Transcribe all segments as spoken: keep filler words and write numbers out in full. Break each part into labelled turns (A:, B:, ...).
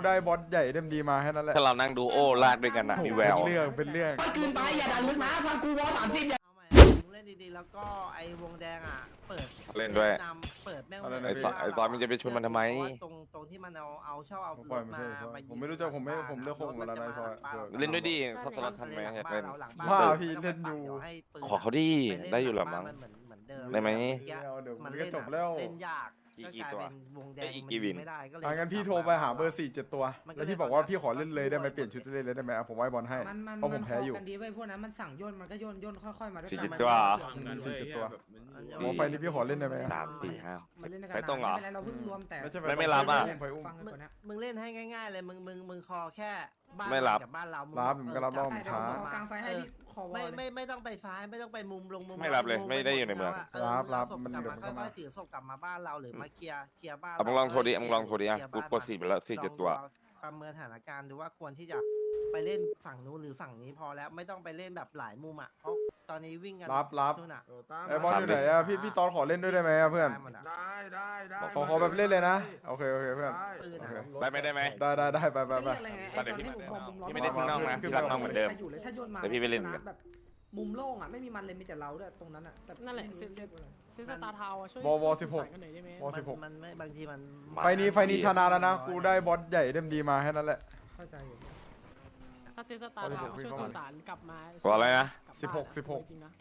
A: ได้บอสใหญ่เต็มดีมาแค่นั้นแหละ
B: ถ้าเรานั่งดูโอ้ลากด้วยกันนะมีแวว
A: เป็นเรื่องเป็นเรื่อง
C: คืนไปอย่าดันลึกนะฟังกูวอสามสิบอย่า
D: เอาใหม่มึงเล่นดีๆแล้วก็ไอ้วงแดงอ่ะเปิด
B: เล่นด้วย
D: นำเปิดแม่ง
B: ไอ้ซอยไอ้ซอยมันจะไปชนมันทำไม
D: ตรงตรงที่มันเอาเอาชอบเอา
A: ปล่อยมัน
D: มา
A: เถอะซอย
D: มายิง
A: ผมไม่รู้จักผมไม่ผมเลือกคนของเราในซอย
B: เล่นด้วยดิถ้าตลอดทันไหมอยากเล่น
A: ว่าพี่เล่นอยู่
B: ขอเขาดิได้อยู่หรอมั้ง
D: นเหมือนเหมือนเดิม
B: ได้ไหม
A: เดี๋ยว
D: มั
A: มัน น
D: เล่
A: ก็
D: น
A: จบแล้ว
D: เล่นยาก
B: กี่
D: ก็
B: กี่
D: กลาย
B: ตัว
D: เป็นวงแดง
B: ไอ้อีก
D: มัน
B: กี่วิน
D: ไม่ได้ก็เลย
A: อ่ะงั้นพี่โทรไปหาเบอร์สี่เจ็ดตัว แล้วพี่บอกว่าพี่ขอเล่นเลยได้ไหมเปลี่ยนชุดเล่นเลยได้ไหมอ่ะผมไว้บอลให้
E: มันมัน
A: เพราะผมแพ้อยู่
E: กันดีเว้ยพวกนั้นมันสั่งโยนมันก็โยนโยนค่อยๆมาด้วย
B: สี่
E: กัน
B: สิบ
E: มัน
B: ตัวเหรอ
E: มัน
A: สี่สิบตัว
D: อัน
A: โอ้ไฟนี้พี่ขอเล่นได้ไหม
B: สามสี่ห้า
E: มันเล่นด้วยกั
B: ไม่ต้องเหรอ
E: ไม่เป็นไรเราเพิ่งรวมแต่
A: ไม่ใช่
B: ไม่ไม่รับอ่ะ
A: ไฟอุ้ม
E: ฟังกัน
D: มึง
E: ก่อนนะ
D: มึงเล่นให้ง่าย ๆ เลยมึงมึงมึงคอแค่บ้าน
B: ไม่รับ
D: กับบ้านเรามึง
A: รับผมก็รับรอบ
E: ได้เดี๋ยว
A: ช้า
E: ขอกลางไฟให้พี่คอวอ
D: ไม่
E: ลเลย
D: ไม่ไม่ต้องไปซ้ายไม่ต้องไปมุมลงมุม
B: ไม่รับเลย
D: มุ
B: ไม่ได้อยู่ในเมือง
D: ะ
A: รับรับ
D: ศพ
A: มัน
D: กลับ
A: เดี๋ยว
D: มา
A: มันก็มา
D: ค่อยๆถือศพกลับมาบ้านเราหรือมาเคลียร์เคลียร์บ้าน
B: เอามึงลองโทรดิเอามึงลองโทรดิอ่ะ
D: เคลียร์
B: กู
D: บ้าน
B: กดสี่ไปแล้วสี่เจ็ดตัว
D: ลองประเมินสถานการณ์ดูว่าควรที่จะไปเล่นฝั่งนู้นหรือฝั่งนี้พอแล้วไม่ต้องไปเล่นแบบหลายมุมอ่ะเพราะตอนนี้วิ่งกัน
A: รับรับ
D: นู่นอ่ะ
A: ไอ้บอลอยู่ไหนอ่ะพี่พี่ตอนขอเล่นด้วยได้ไหมอ่ะเพื่อน
D: ได้หมดอะ
F: ได้ได้ได้
A: ขอขอแบบเล่นเลยนะโอเคโอเคเพื่อน
F: ได้
D: ปืน
A: โอ
D: อะ
A: เค
B: ได้ไหมได้ไหม
A: ได้ได้ได้ไปไปไป
E: จะเรียกอะไรไงไอ้ตอนที่ผมบอกมุมล้อม
B: พี่ไม่ได้ทิ้งน้องนะพี่รักน้องเหมือนเดิม
E: ใครอยู่เลยถ้าโยนมา
B: แต่พี่ไปเล่น
E: ชะแบบมุมโล่งอ่ะไม่มีมันเลยมีแต่เราด้วยตรงนั้นอ่ะแต่
G: นั่นแหละ
E: ไม่รู้
G: เซ็นเซ็น ซื้อสตาร์ทาวน์อะช่วย
A: วอวอ
G: ช่วย
A: สิบหก
G: สื่อสารกันหน่อยได้ไหม
A: วอสิบหก
D: มันไม่บางทีมัน
A: ไฟนี้ไฟนี้ชนะแล้วนะกูได้บอสใหญ่เต็มดีมาแค่นั้นแหละ
E: เข้าใจอยู่
G: ถ้าซื้อสตาร์ทาวน์ช่วยสื่อสารกลับมา
B: บอกอะไรนะ
G: ลับบ้า
A: สิบหก
G: อะ
A: สิบหก
G: จริงๆนะ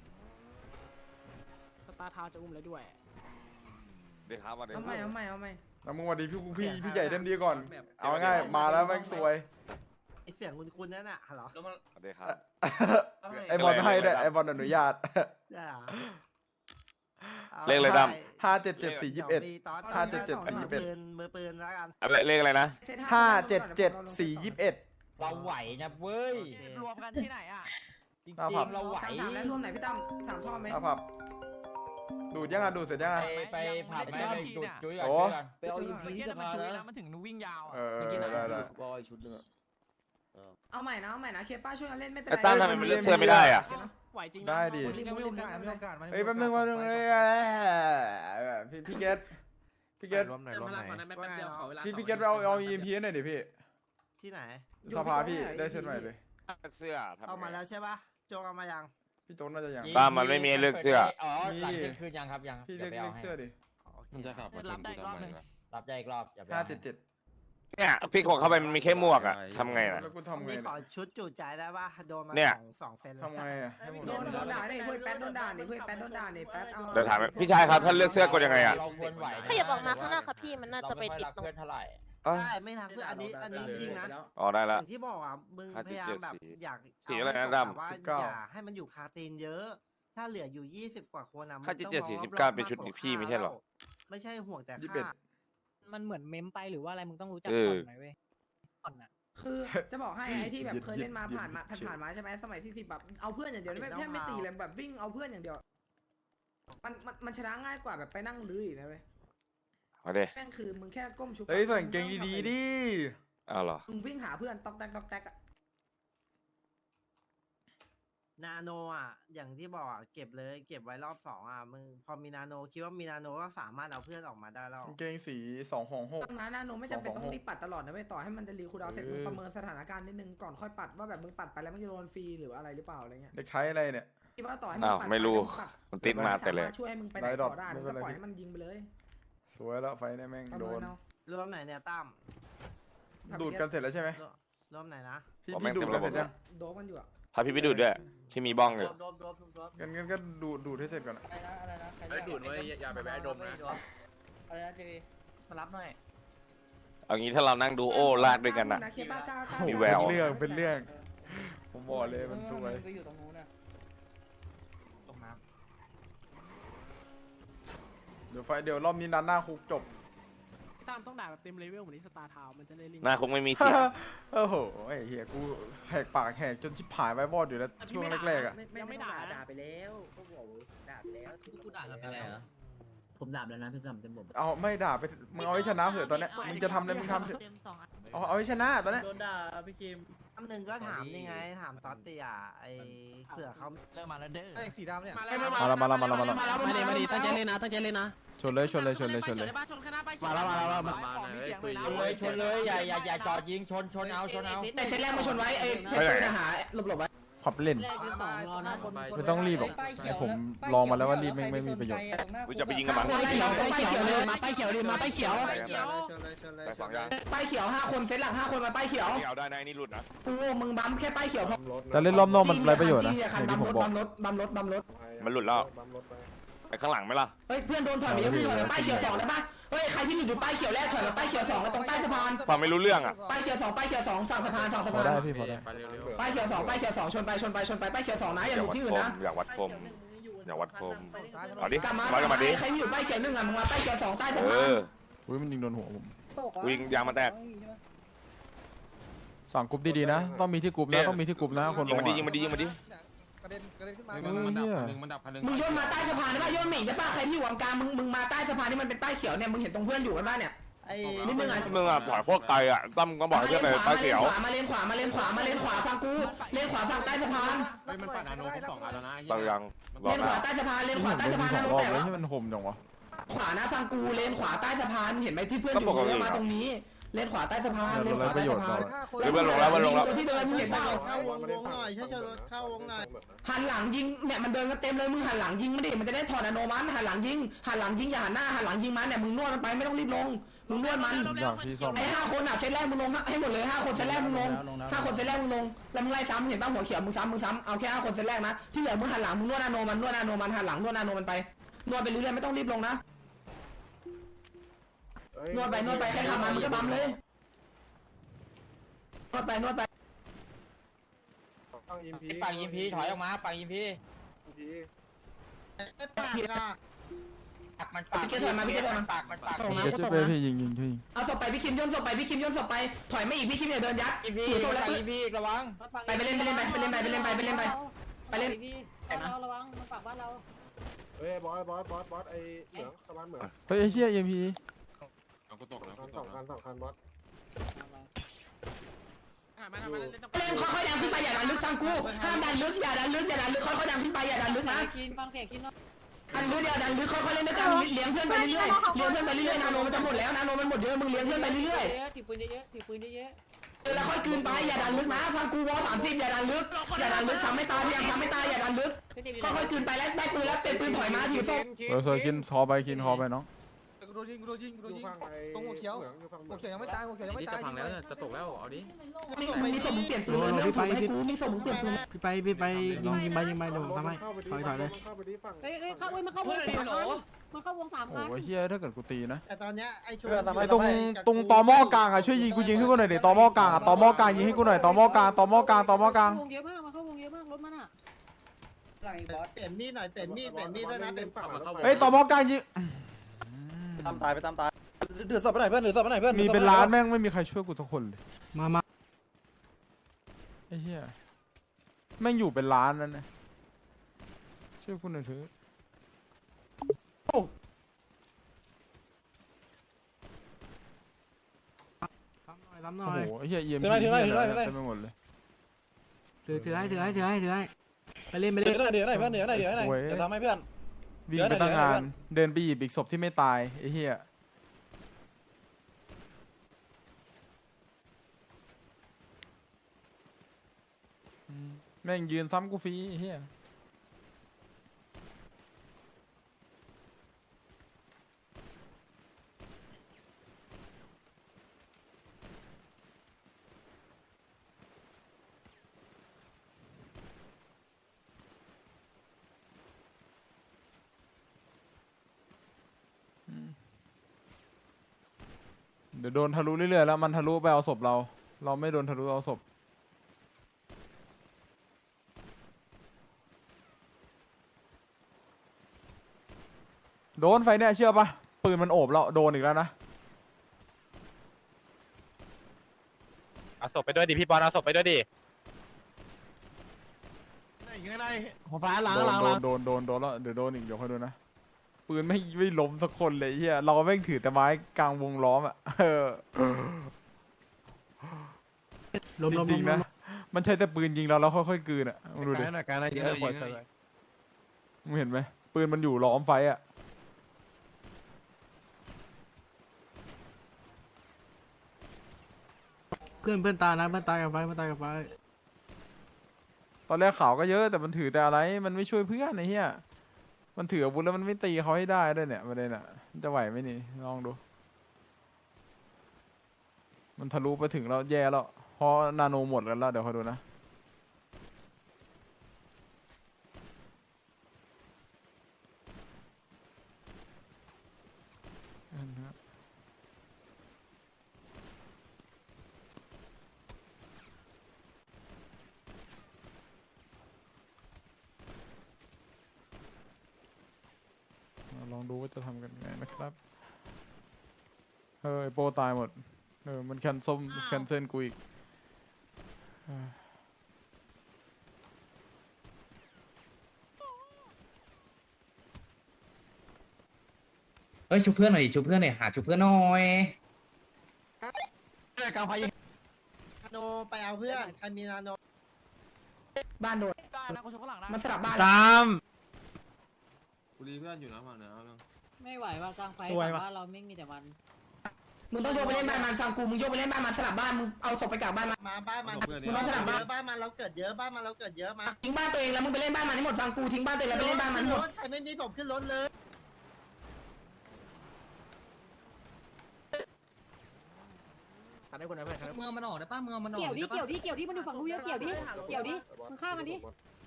G: สตาร์ทาวน์จะอุ้มแล้วด้วย
B: เดี๋ยวครับมาเดี๋ยว
E: เอาใหม่เอาใหม่เอาใหม่
A: แล้วมึงวันดีพี่พี่พี่ใหญ่เต็มดีก่อน เอาง่ายมาแล้วแม่งสวย
D: ไอเสียงคุณคุณนั่นน่ะเหรอ
B: เดี๋ยวครับ
A: ไอบอลให้ด้วยไอบอลอนุญาต
D: ได้เหรอ
B: เลขอะไรด
A: ห้าเจ็ดเจ็ดสี่ยี่สิบเอ็ด
D: ดี๋ยวมีตอน
A: ห้าเจ็ดเจ็ดสี่ยี่สิบเอ็ด
D: มือปืนมือปืนแล้วกัน
B: อะไรเลขอะไรนะ
A: ห้าเจ็ดเจ็ดสี่ยี่สิบเอ็ด
H: เราไหวนะเว้ย
C: รวมกันที่ไหนอ่ะ
H: จริง
A: หน้าผับ
H: ๆเราไหว
E: สามสามแล้วรวมไหนพี่ตั้มสามท่อไหม
A: ครับผับดูดยังอ่ะดูดเสร็จยัง
H: ไป
A: อ่ะ
H: ไปผับ
C: ไม่
H: ไป
C: ได้
H: ไป
C: ที่
H: ดูด
C: เนี่ย
H: จุ้ยก่อน
A: โอ้
H: จุ้ยก่อน
C: ไปเอาอีพีที่มันจุยแล้วมันถึงวิ่งยาว
A: เอ
C: อ่ะ
A: อ
H: เมื่อกี้นะ
A: ได้ได้
H: บอยชุดหนึงอะ
E: เอาใหม่นะเอาใหม่นะเคป้าช่วยกันเล่นไม่เป็น
B: ไอ้
E: ไร
B: ตั้มทำไมมันเลือกเสื้อไม่ได้อ่ะ
G: ไหวจริงนะ
A: ได้ดิ
E: ไม่มีโอกาสไม่มีโอกาส
A: เฮ้ยแป๊บนึงแป๊บนึงเฮ้ยพี่พี่เกตพี่เกต
F: รวมไหนรวมไหน
A: พี่พี่เกตเอาเอาอีเอ็มพีหน่อยดิพี่
D: ที่ไหน
A: สภาพี่ได้เซ็ตใหม่เลย
B: เสื้อทำ
D: เอามา
B: ไง
D: แล้วใช่ปะโจกเอามายัง
A: พี่โจ๊กน่าจะยัง
B: ตามมันไม่มีเลือกเสื้อ
H: อ๋อหลังเที่ยงคืนยังครับยัง
A: พี่เลือก
H: ดี๋ยว
A: เลื
H: ไป
A: อก
H: ให้
A: เสื้อดิ
F: มันจะขับมา
C: รับได้อีกรอบหนึ่ง
H: รับได้อีกรอบอย่าไป
A: ห้า
H: เอา
A: เจ็ดเจ็ด
B: เนี่ยพี่ขอเข้าไปมันมีแค่หมวกอ่ะทำไงน่ะ
A: แล้วกูทำไง
D: นี่ข
A: เนี่
D: อย ชุดจุใจได้ปะโดนมา
B: เนี่ย
D: สองสองเซนแล้ว
A: ทำไงอ่ะให้ผม
E: โด
A: โด
E: น
A: น
E: โดนด่าดิเพื่อนแป๊ดโดนด่าดิเพื่อนแป๊ดโดนด่าดิแป๊ดเอา
B: เดี๋ยวถามพี่ชายครับถ้าเลือกเสื้อกดยังไงอ่ะ
H: เราควรไหวนะ
I: ขยับออกมาข้างหน้าครับพี่มันน่าจะไปติดตรง
H: เราม่ค่อยรักเพื่อนเท่าไหร่
B: เอ้ย
D: ได้ไม่ทักเพื่อนอันนี้อันนี้จริงนะ
B: อ๋อได้
D: อ
B: ละ
D: ย่างที่บอกอ่ะมึง
B: ห้า
D: พ
B: เจ็ด
D: ยายา
B: เจ็
D: ม
B: ด
D: แบบ
B: สี่
D: อยาก
B: สี่อะไรนะ
D: ให้
B: ดำ
D: แบบว่าอย่าให้มันอยู่คาตีนเยอะ ถ้าเหลืออยู่ยี่สิบกว่าคนอ่ะ
B: ห้าเจ็ดเจ็ด
D: ต้อง
B: สี่
D: มอง
B: สิบเก้าร
D: อบๆ
B: เป็นชุด
D: กกว่า
B: พี่ไม่ใช่หรอ
D: ไม่ใช่ห่วงแต่
A: ยี่สิบเอ็ด
D: ค่า
G: มันเหมือนเมมไปหรือว่าอะไรมึงต้องรู้จัก
B: เออ
G: ก่อนไหมเว้ยก่อนอะ
E: คือจะบอกให้ไอ้ที่แบบเคยเล่นมาผ่านมาผ่านผ่านมาใช่ไหมสมัยที่สิบแบบเอาเพื่อนอย่างเดียวไม่แทบไม่ตีเลยแบบวิ่งเอาเพื่อนอย่างเดียวมันมันมันชนะง่ายกว่าแบบไปนั่งลื้ออีกนะเว้ย
B: มาเด้
E: แม่งคือมึงแค่ก้มชุบ
A: เฮ้ยใส่กางเกงดีๆดิ
B: เอาเหรอ
E: มึงวิ่งหาเพื่อนตอกแตกตอกแตกอะ
D: นาโนอ่ะอย่างที่บอกอ่ะเก็บเลยเก็บไว้รอบสองอ่ะมึงพอมีนาโนคิดว่ามีนาโนก็สามารถเอาเพื่อนออกมาได้แล้ว
A: กางเกงสีสองของหก
E: ตั้งนะนาโนไม่จำเป็น
A: สองสอง
E: ต้องรีบปัดตลอดนะเว้ยต่อให้มันจะรีคูลดาวน์เสร็จ
A: เออ
E: มึงประเมินสถานการณ์นิดนึงก่อนค่อยปัดว่าแบบมึงปัดไปแล้วมันจะโดนฟรีหรืออะไรหรือเปล่าอะไรเงี้ย
A: เด็กไทยอะไรเนี่ย
E: คิดว่าต่อให้
B: อ้าว
E: ปัด
B: ไม่รู้
E: ปปัด
B: มันติดมาแต่เลย
E: สรถช่วยให้มึงไปไหน
A: ได้ดอก
E: ต่อได้
A: ไม่
E: มึง
A: เป็นไร
E: ก็ปล่อยให้มันยิงไปเลย
A: สวยแล้วไฟเนี่ยแม่ง
E: ประ
A: โด
E: เมิ
A: น
E: นเอา
D: รวมไหนเนี่ยตั้ม
A: ดูดกันเสร็จแล้วใช่ไหม
D: รวมไหนนะ
A: พี่
B: ผมแม่
A: พี่
B: ง
A: ดูด
B: เต็ม
A: กันเสร็จ
B: ระบบ
A: ยัง
E: โดบมันอยู่อะ
B: พาพี่ไปดูดด้วยที่มีบ้องอยู่
D: รวมรวมรวมรวม
A: งั้นงั้นก็ดูดดูดให้เสร็จก่อนอะ
C: อะไรนะอะไรนะใคร
F: ไอ้ดูดไว้อย่าไปแวะดมนะ
C: อะไรนะเจวีมารับหน่อย
B: เอางี้ถ้าเรานั่งดูโอ้ลากด้วยกันอ่ะ
E: เคป้ากล้ากล้า
B: มีแวว
A: เป็นเรื่องเป็นเรื่อง ผมบอกเลยมันสวย
C: ไปอยู่ตรงนู้นนะตรงน้
A: เดี๋ยวไฟเดี๋ยวรอบนี้นันหน้าคุกจบ
G: พี่ตั้มต้องด่าแบบเต็มเลเวลเหมือนที่สตาร์ทาวน์มันจะได้ลิงก์
B: หน้าคงไม่มีเสียง
A: โอ้โหไอ้เหี้ยกูแหกปากแหกจนชิบหายไว้บอดอยู่แล้วช่วงแรกๆอ่ะ
G: ยังไม่ด่า
C: ด่าไปแล้วก็บอกด่าไปแล้ว
H: อะไรเหรอ
D: ผมดับแล้วนะพี่ดับเต็มผม
A: เอาไม่ด่าไปมึงเอาให้ชนะเถอะตอนเนี้ยมึงจะทำอะไรมึงทำเถอะเอาเอาให้ชนะตอนเนี้ย
F: โดนด่าพี่คิม
D: คำหนึ่งก็ถามนี่ไงถามตอตติอ่ะไอเผื่อเขา
C: เริ่มมาแล้วเด้อ
F: ไอ้สีดำเนี่ย
A: มาแล้วมาแล้วมาแล้วมาแล้ว
G: มาดีมาดีตั้งใจเล่นนะตั้งใจเล่นนะ
A: ชนเลยชนเลยชนเลยชนเลย
G: มาแล้วมาแล้วมา
F: มาหน่อยคุย
H: ชนเลยชนเลยอย่าอย่าอย่าจอดยิงชนชนเอาชนเอา
E: แต่เซตแรกมาชนไว้ไอ้เซตปืนหาหลบหลบไว้
A: ขอบเล่นไม่ต้องรีบหรอกให้ผมลองมาแล้วว่ารีบไม่ไม่มีประโยชน์
B: กูจะไปยิงกับมัน
E: ป้ายเขียวป้ายเขียวเลยมาป้ายเขียวเลยมาป้ายเขียว
B: ไปสองอย่าง
E: ป้ายเขียวห้าคนเซตหลักห้าคนมาป้ายเขียว
B: ไม่เอาได้นะไอ้นี่หลุดนะ
E: โอ้มึงบัมแค่ป้ายเขียวพอ
A: แต่เล่นรอบนอกมันไรประโยชน์นะ
E: คั
A: อย่าง
E: บั
A: ที่
E: ม
A: ผม
E: รถ
A: บอก
E: บัมรถบัมรถบัมรถ
B: มันหลุดแล้วไปข้างหลังไหมล่ะ
E: เฮ้ยเพื่อนโดนถอยไปเยอะเพื่อนถอยไปป้ายเขียวสองได้ปะเฮ้ยใครที่อยู่ป้ายเขียวแรกถอยไปป้ายเขียวสองตรงใต้สะพาน
B: ฟังไม่รู้เรื่องอ่ะ
E: ป้ายเขียวสองป้ายเขียวสองฝั่งสะพานฝั่งสะ
A: พอ
E: พาน
A: ได้พี่พอได้
F: ไปเร็ว
E: ป้ายเขียวสองป้ายเขียวสองชนไปชนไปชนไปป้ายเขียวสองนะอย่า
B: อ
E: ห
B: ย่า
E: ลุด
B: วัด
E: ที่
B: ค
E: อื่น
B: ม
E: นะ
B: อย่าวัดคมอย่าวัดคมเอาดิ
E: กลับมา
B: วัดกันมาดิ
E: ใครที่อยู่ป้ายเขียวหนึ่งอ่ะมึงมาป้ายเขียวสองใต้สะ
B: เอ
E: พาน
B: อ
A: อุ้ยมันยิงโดนหัวผม
B: กูยิงยางมาแตก
A: สั่งกรุ๊ปดีๆนะต้องมีที่กรุ๊ปนะต้องมีที่กรุ๊ปนะคนล
B: ยิง
A: ง
B: มันดิยิงมันดิยิงมันดิ
F: กระเด็นกระเด็นขึ้นมา
A: เฮ้ยเหี้ย
F: มันดับคันนึง
E: มึงโยนมาใต้สะพานได้ป่ะโยนหมิ่งได้ป่ะใครที่อยู่กลางมึงมึงมาใต้สะพานที่มันเป็นป้ายเขียวเนี่ยมึงเห็นตรงเพื่อนอยู่กันป่ะเนี่ย
D: ไอ้
E: นิดนึงอ่ะ
B: มึงอ่ะปล่อยพวกไกลอ่ะตั้มก็บอกให้เพื่อนไปป้ายเขียว
E: มาเลนขวามาเลนขวามาเลนขวาฟังกูเลนขวาฝั่งใต้สะพาน
F: เฮ้ยมันปัดนาโนครบสองอันแล้วนะ
B: บางยังร
E: เล
B: อน
E: ข
B: นะ
E: วาใต้สะพานเลน
A: นี่
E: ข
A: ผ
E: วาม ใต้
A: โดน
E: สะ
A: ยิ
E: พาง น
A: ส
E: นะ
A: องรอบ
E: แต่
A: เลยที่มันห่มจังวะ
E: ขวานะฟังกูเลนขวาใต้สะพานเห็นไหมที่เพื่อนอยู่เยอะมาตรงนี้เลนขวาใต้สะพานเลนขวาใต้สะพาน
B: เฮ้ยเพื่อนลงแล้วเพื่อนลงแล้ว
E: ตัวที่เดินมึงเห็นเปล่า
D: เข้าวงวงหน่อยช่วยรถเข้าวงหน่อย
E: หันหลังยิงเนี่ยมันเดินกันเต็มเลยมึงหันหลังยิงมันดิมันจะได้ถอดอโนมันหันหลังยิงหันหลังยิงอย่าหันหน้าหันหลังยิงมันเนี่ยมึงนวดมันไปไม่ต้องรีบลงมึงนวดมัน
A: ผมอยากพี่ซ่อม
E: ไอ้ห้าคนอ่ะเซตแรกมึงลงให้หมดเลยห้าคนเซตแรกมึงลงห้าคนเซตแรกมึงลงแล้วมึงไล่ซ้ำเห็นป่ะหัวเขียวมึงซ้ำมึงซ้ำเอาแค่ห้าคนเซตแรกนะที่เหลือมึงหันหลังมึงนวดอโนมันนวดอโนมันหันหลังนวดอโนมันไปนวดไปเรื่อยๆไม่ต้องรีบลงนะนวดไปนวดไปแค่ทำมันมึงก็บัมเลยนวดไปนวดไป
F: ต้องอิมพี
H: ปังยิงพีถอยออกมาปังยิงพี
D: ปากอ่ะ
H: ปักมันปักมันปักมันปัก
A: เดี๋ยวจะไปพี่ยิงยิงพี่ยิง
E: เอาศพไปพี่คิมย่นศพไปพี่คิมย่นศพไปถอยไม่อีกพี่คิมอย่าเดินยัด
H: ยิงพี
E: ถือศพแล้ว
H: ปัง
E: ปืน
H: ยิงพีระวัง
E: ไปไปเล่นไปเล่นไปไปเล่นไปไปเล่นไปไปเล่นไปไปเล่น
I: เราระวังมันปากบ้านเรา
F: เฮ้ยบอสบอสบอสบอสไอ้เหมืองสะพานเหมือง
A: เฮ้ยไอ้เหี้ยเอ็มพี
F: เอากูตกแล้วสองคันสองคันบอส
E: เล่นค่อยๆดันขึ้นไปอย่าดันลึกฟังกูห้ามดันลึกอย่าดันลึกอย่าดันลึกค่อยๆดันขึ้นไปอย่าดันลึกนะ
I: กินฟังเสียงกินเนาะ
E: ดันลึกอย่าดันลึกค่อยๆเล่นด้วยกันเลี้ยงเพื่อนไปเรื่อยๆเลี้ยงเพื่อนไปเรื่อยๆนาโนมันจะหมดแล้วนาโนมันหมดเยอะมึงเลี้ยงเพื่อนไปเรื่อย
I: เยอะถือปืนเยอะถือปืนเยอะ
E: ๆเออแล้วค่อยคืนไปอย่าดันลึกนะฟังกูวอสามสิบอย่าดันลึกอย่าดันลึกซ้ำไม่ตายพยายามซ้ำไม่ตายอย่าดันลึกค่อยๆคืนไปแล้วได้ปืนแล้วเปลี่ยนปืนถอยมาถือศพ
A: เออเซอร์คินคอไปคินคอไปน้อง
F: กูโดนยิงกูโดนยิงกูโดนยิงตรงหัวเขียวอยู่ฝั่งหัวเขียวยังไม่ตายหัวเขียวยังไม่ตาย
C: จะพังแล้วจะตกแล้วเอาดิ
E: มีมีศพมึงเปลี่ยนปืนเลยไม่ต้องถือให้กูมีศพมึงเปลี่ยนปืน
G: พี่ไปพี่ไปยิงยิงไปยิงไปเดี๋ยวผมทำให้ถอยถอยเลย
F: เข้าไปดิฝั่ง
I: เฮ้ยเข้าเว้ยมันเข้าวงสามคันมันเข้าวงสาม
A: โอ้
I: คัน
A: ยเหี้ยถ้าเกิดกูตีนะ
D: แต่ตอนเนี้ยไอ้ชู
A: ไอ้ตรงตรงตอหม้อกลางอ่ะช่วยยิงกูยิงให้กูหน่อยดิตอหม้อกลางอ่ะตอหม้อกลางยิงให้กูหน่อยตอหม้อกลางตอหม้อกลางตอหม้อกลาง
I: วงเยอะมากมันเข้าวงเยอะมากรถมันอ่ะ
D: เปลี่ยนมีดหน่อยเปลี่ยนมีดเปลี่ยนมีดด้วยนะเป็นฝั่ง
A: เฮ้ยตอหม้อกลางยิง
J: ตามตายไปตามตายถือศพไปไหนเพื่อนถือศพไปไหนเพื่อน
A: มีเป็นล้านแม่งไม่มีใครช่วยกูสักคนเลย
G: มามา
A: ไอ้เหี้ยแม่งอยู่เป็นล้านนั่นนะช่วยกูหน่อยเถอะ
G: ซ้ำหน่อยซ้ำหน่
A: โอ้
G: อย
A: โหไอ้เหี้ยเยี่ยมเต็มไปหมดเลย
G: ถือถือให้ถือให้ถือให้ถือให้ไปเล่นไป
J: เดี๋
G: เล่
J: ยวน เดี๋ยวไหนเพื่อนเดี๋ยวไหนเดี๋ยวไหนเดี๋ยวทำให้เพื่อน
A: วิ่งไปตั้งงานเดินไปหยิบอีกศพที่ไม่ตายไอ้เหี้ยแม่งยืนซ้ำกูฟรีไอ้เหี้ยเดี๋ยวโดนทะลุเรื่อยๆแล้วมันทะลุไปเอาศพเรา เราไม่โดนทะลุเอาศพโดนไฟเนี่ยเชื่อปะปืนมันโอบเราโดนอีกแล้วนะ
B: เอาศพไปด้วยดิพี่บอลเอาศพไปด้วยดิ
G: หัวฟ้าหลัง
A: โดน
G: หลัง
A: โด
G: หลั
A: น
G: ง
A: โดนโดนโดนแล้วเดี๋ยวโดนอีกเดี๋ยวค่อยดูนะปืนไม่ไม่ล้มสักคนเลยเฮียเราแม่งถือแต่ไม้กลางวงล้อมอ่ะเออ
G: ล้ม
A: จ
G: ล้ม
A: ริงๆนะมันใช้แต่ปืนยิงเราแล้วค่อยๆกลืนอ่ะมึงดูดิ
B: การนะการนะเยอะกว่าจะเลย
A: มึงเห็นไหมปืนมันอยู่ล้อมไฟอ่ะ
G: เพื่อนเพื่อนตายนะเพื่อนตายกับไฟเพื่อนตายกับไฟ
A: ตอนแรกข่าวก็เยอะแต่มันถือแต่อะไรมันไม่ช่วยเพื่อนไอ้เหี้ยมันถืออาวุธแล้วมันไม่ตีเขาให้ได้ด้วยเนี่ยประเด็นอ่ะมันจะไหวไหมนี่ลองดู มันทะลุไปถึงแล้วแย่แล้วเพราะนาโนหมดกันแล้วเดี๋ยวคอยดูนะลองดูว่าจะทำกันไงนะครับเออไอโปตายหมดเออมันแคนส้มแคนเซิลกูอีกเออ
H: เอ้ยชุบเพื่อนหน่อยชุบเพื่อนหน่อยหาชุบเพื่อนหน่อย
B: กลางไฟยิง
D: นาโนไปเอาเพื่อนใครมีนาโน
E: บ้านโดนมันสลับบ้าน
B: ตาม
C: กูรีเพื่อนอยู่นะฝั่งเหนือเอาเรื่อง
I: ไม่ไหวว่ากลางไฟว่าเราไม่มีแต่วัน
E: มึงต้องโยกไปเล่นบ้านมันฟังกูมึงโยกไปเล่นบ้านมันสลับบ้านมึงเอาศพไปกลับบ้านมัน
D: มาบ้านมัน
E: มึงต้องสลับ
D: เย
E: บ้าน
D: อะบ้านมันเราเกิดเยอะบ้านมันเราเกิดเยอะมา
E: ทิ้งบ้านตัวเองแล้วมึงไปเล่นบ้านมันให้หมดฟังกูทิ้งบ้านตัวเองแล้วไปเล่นบ้านมันให้หมด
D: รถใครไม่มีผมขึ้นรถเลย
C: ขันได้คนไหนเพื่อนขันได้
H: เมืองมันออกได้ป่ะเมืองมันออก
I: เกี่ยวดิเกี่ยวดิเกี่ยวดิมันอยู่ฝั่งนู้นเยอะเกี่ยวดิเกี่ยวดิมึงฆ่ามันดิ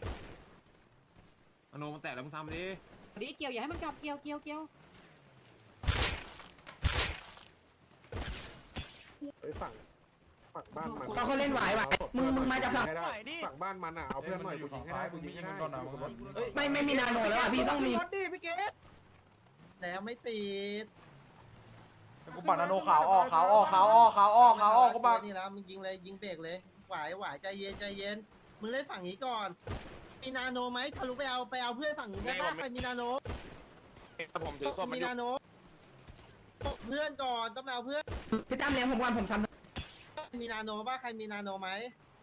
C: อโนมันแตกแล้วมึงทำดิ
I: ดิเกี่ยวอย่าให้มันกลับเกี่ยวเกี่ยวเกี่ยว
F: ฝั่งฝั่งบ้านมัน
E: เขาเขาเล่นไหวไหวมึงมึงมาจากฝั่ง
F: ฝั่งบ้านมันอ่ะเอาเพื่อนหน่อยกูยิงให้ได้กูยิงให้ได้
E: ไม่ไม่มีนาโนแล้วอ่ะพี่ต้องมี
D: แล้วไม่ติด
A: กูปัดนาโนขาวออกขาวออกขาวออกขาวออกขาวออกกูปัด
D: นี่แล้วมึงยิงเลยยิงเบรกเลยไหวไหวใจเย็นใจเย็นมึงเล่นฝั่งนี้ก่อนมีนาโนไหมทะลุไปเอาไปเอาเพื่อนฝั่งนี้ได้ปะใครมีนาโน
B: ผมถือส้มมัน
D: มี
B: อยู่
D: นาโนเพื่อนก่อนต้องไปเอาเพื่อน
E: พี่ตั้มเลี้ยงผมก่อนผมซ้ำ
D: มีนาโนป่ะใครมีนาโนไหม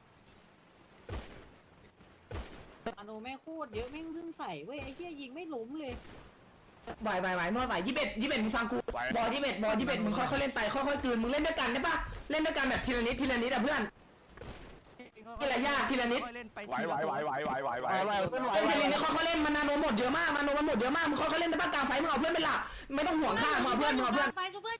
I: อโนแม่โคตรเยอะแม่งเพิ่งใส่เว้ยไอ้เหี้ยยิงไม่ล้มเลย
E: ไหวไหวไหวนวดไหวยี่สิบเอ็ดยี่สิบเอ็ดมึงฟังกูบอลยี่สิบเอ็ดบอลยี่สิบเอ็ดมึงค่อยๆเล่นไปค่อยๆกลืนมึงเล่นด้วยกันได้ปะเล่นด้วยกันแบบทีละนิดทีละนิดอ่ะเพื่อนทีละยากทีละนิด
B: ไหวไหวไหวไหวไหวไหวไหวไหว
E: เล่นทีละนิดค่อยๆเล่นมันนาโนหมดเยอะมากมันนาโนมันหมดเยอะมากมึงค่อยๆเล่นได้ปะกลางไฟมึงเอาเพื่อนเป็นหลักไม่ต้องห่วงข้ามึงเอาเพื่อนมึงเอาเพื่อน
I: ไฟชุบเพื่อน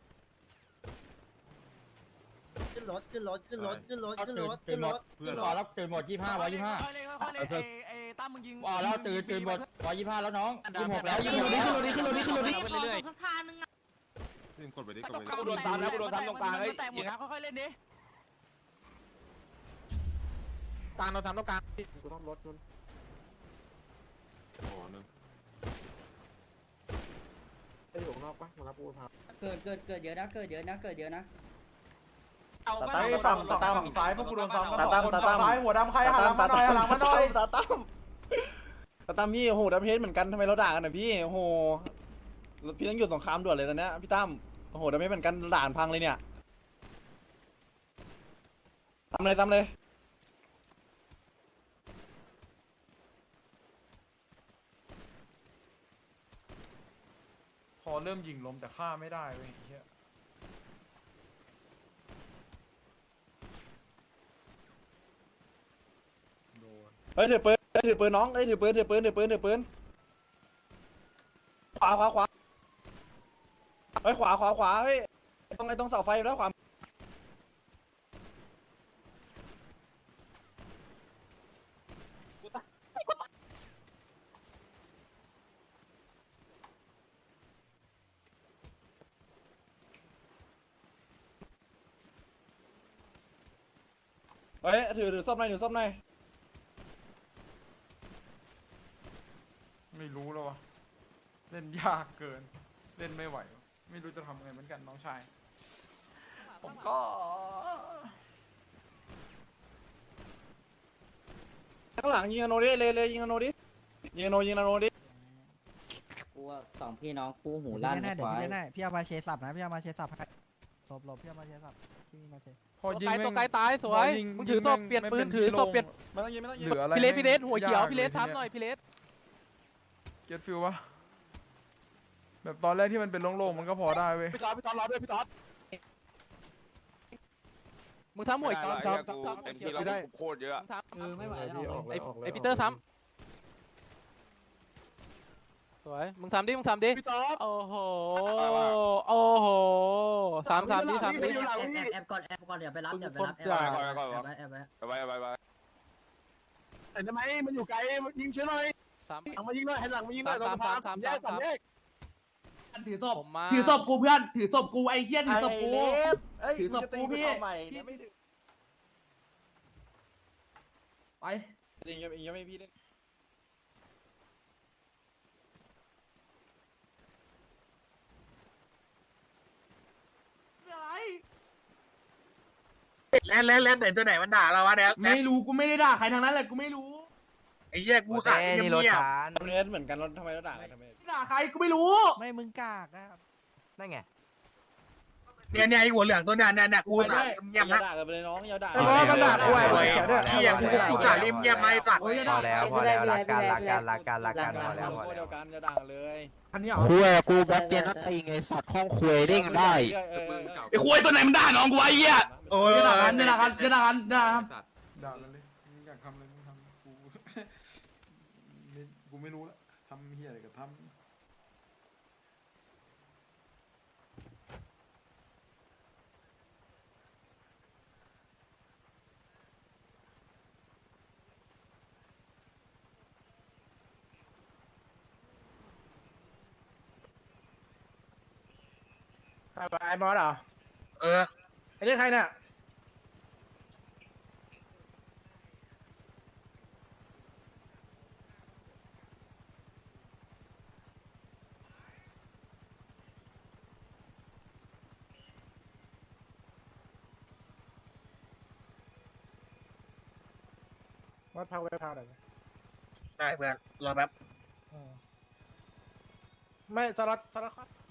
D: ขึ้นรถขึ้นรถขึ้นรถขึ้นรถขึ้นรถขึ้นรถขึ้นร
H: พอ
D: ถ
H: แล้วตื่นหมดยี่ห้าร้อยยี่ห้า
G: ไอ้ตั้มมึงยิง
H: อ๋อแล้วตื่นตื่นหมดร้อยยี่ห้าแล้วน้องยี่หกแล้วยี่
E: ขึ้น
H: ห
E: ร
H: ก
E: ถดิ
H: แล้ว
E: ขึ้นรถดิขึ้นรถดิขึ้นรถดิ
I: ไปเรื่อยสักทางนึง
C: ซึ่งกดไปดิกดไปดิ
B: กูโดนตามแล้วกูโดนตามตรงกลางเฮ้ย
G: แตกหมดนะค่อยๆเล่นดิ
B: กลางโดนตามตรงกลาง
F: กูต้องรถจน
C: โอ้โหนึง
F: ไอ้อยู่ข้างนอกปะมารับกูพา
H: เกิดเกิดเกิดเยอะนะเกิดเยอะนะเกิดเยอะนะ
J: ตาตั้มฝั่งตาตั้ม
A: ฝั่งซ้ายพวกกูโดนซ้ำ
J: ตาตั้มตาตั้ม
A: ซ้ายหัวดำใครหันหลังมาหน่อยหันหลังมาหน่อย
J: ตาตั้มตาตั้มพี่โอ้โหดับเพชรเหมือนกันทำไมเราด่ากันอ่ะพี่โอ้โหพี่ต้องหยุดสงครามด่วนเลยตอนเนี้ยพี่ตั้มโอ้โหดับเพชรเหมือนกันด่านพังเลยเนี่ยทำเลยทำเลย
A: พอเริ่มยิงล้มแต่ฆ่าไม่ได้เว้ยไอ้เหี้ยโดน
J: เฮ้ยถือปืนเฮ้ยถือปืนน้องเฮ้ยถือปืนถือปืนถือปืนถือปืนขวาขวาขวาเฮ้ยขวาขวาขวาเฮ้ยตรงไอ้ตรงเสาไฟอยู่แล้วขวาเฮ้ยถือถือส้มหน่อยถือส้มหน่อย
A: ไม่รู้แล้ววะเล่นยากเกิน เล่นไม่ไหววะไม่รู้จะทำไงเหมือนกันน้องชาย ผมก็
J: ข้างหลังยิงอโนดิเลยเลยยิงอโนดิยิงอโนยิงอโนดิ
H: กูว่าเสา
I: องพี่น้องคู่หูลั่น
F: แน่ๆเดี๋ยว
I: ควา
F: พี่
I: ย
F: แน่ๆพี่เอามาเชสับนะพี่เอามาเชสับให้หลบหลบพี่เอามาเชสับพี่มีมาเช
A: พอยิง
B: ไกล
A: แม่
B: ตัว
A: ง
B: ไกลตายสวย
A: พอยิง
B: มึงถือศพเปลี่ยนปืนถือศพเปลี่ยน
J: ไม่ต้องยิงไม่ต้องยิ
A: เห
J: ง
A: ลืออะไร
B: พี่เลสพี่เลสหัวเขียว
A: าก
B: พี่เลส
A: ที
B: ทับ
A: นี้
B: หน่อยพี่เลส
A: เก็ตฟิลปะแบบตอนแรกที่มันเป็นโล่งๆมันก็พอได้เว้ย
B: พี่ตอดพี่ตอดรอด้วยพี่ตอดมึงทำหัวเขียวทำทำทำหัวเขียวได้โคตรเยอะทำ
I: เออไม่ไหวแล้ว
B: ไอไอปีเตอร์ซ้ำสวยมึงทำดิมึงทำดิพี่ตอดโอ้โหโอ้โหสามสามดิสามดิ
I: แอบแอบก่อนแอบก่อนเดี๋ยวไปรับเดี๋ยวไปรับแอบ
B: จ่า
I: แอบไว้แอบไว้
B: ไปไปไปไป
F: เห็นไหมมันอยู่ไกลยิงเชื่อหน่อย
B: สาม
F: หลังมายิงหน่อยให้หลังมายิงหน่
B: สา
F: อย
B: มสามสามสามสาม
E: ถือศพ
B: ผมมา
E: ถือศพกูเพื่อนถือศพกูไอ้เหี้ยถือศพกู ถือศพกูพี่ ไป
J: ยิงยังยังไม่พี่เล่น
F: แล้วแล้วแล้วไหนตัวไหนมันด่าเราวะเนี่ย
E: ไม่รู้กูไม่ได้ด่าใครทางนั้นแหละกูไม่รู้
F: ไอ้เหี้ยกูสั่งเงียบ
J: ดับเบิลเฮดเหมือนกันแล้วทำไมเราด่ากันทำไม
E: ไม่ด่าใครกูไม่รู้
F: ไม่มึงกากนะครับ
B: นั่นไง
F: เนี่ยเนี่ยไอ้หัวเหลืองตัวนั้นเนี่ยกูสั่งเงียบ
J: อย่า
F: นะ
J: ด่ากันไปเลยน้องอย่าด่า
F: ไอ้บอสมันด่ากูไอ้เขียวด้วยพี่อย่างกูกูสั่งเงียบไม่สั่ง
E: โอ้ยอย่าด่า
I: แล้วพอแล้วรักกันรักกันรักกันรักกัน
J: พอแล้วพอเดียวกันอย่าด่ากันเลย
E: อันนี้เหรอ
B: คุยกูแบ็คเจนนัตติงไอสัตว์ห้องคุยเด้งได้
J: ไอ้คุยตัวไหนมันด่าน้องกูไอ้เหี้ย
F: โอ้ย
E: อย่าด่ากันอย่าด่ากันอย่าด่ากันอย่าด่ากัน
A: ด่ากันเลยมึงอยากทำอะไรมึงทำกู นี่กูไม่รู้ละทำเฮียอะไรก็ทำ
F: ไอ้บอสเหรอเออไอ้นี่ใครเนี่ยวัดพักไว้พักหน่อยได้เพื่อนรอแป๊บไม่สล็อตสล็อต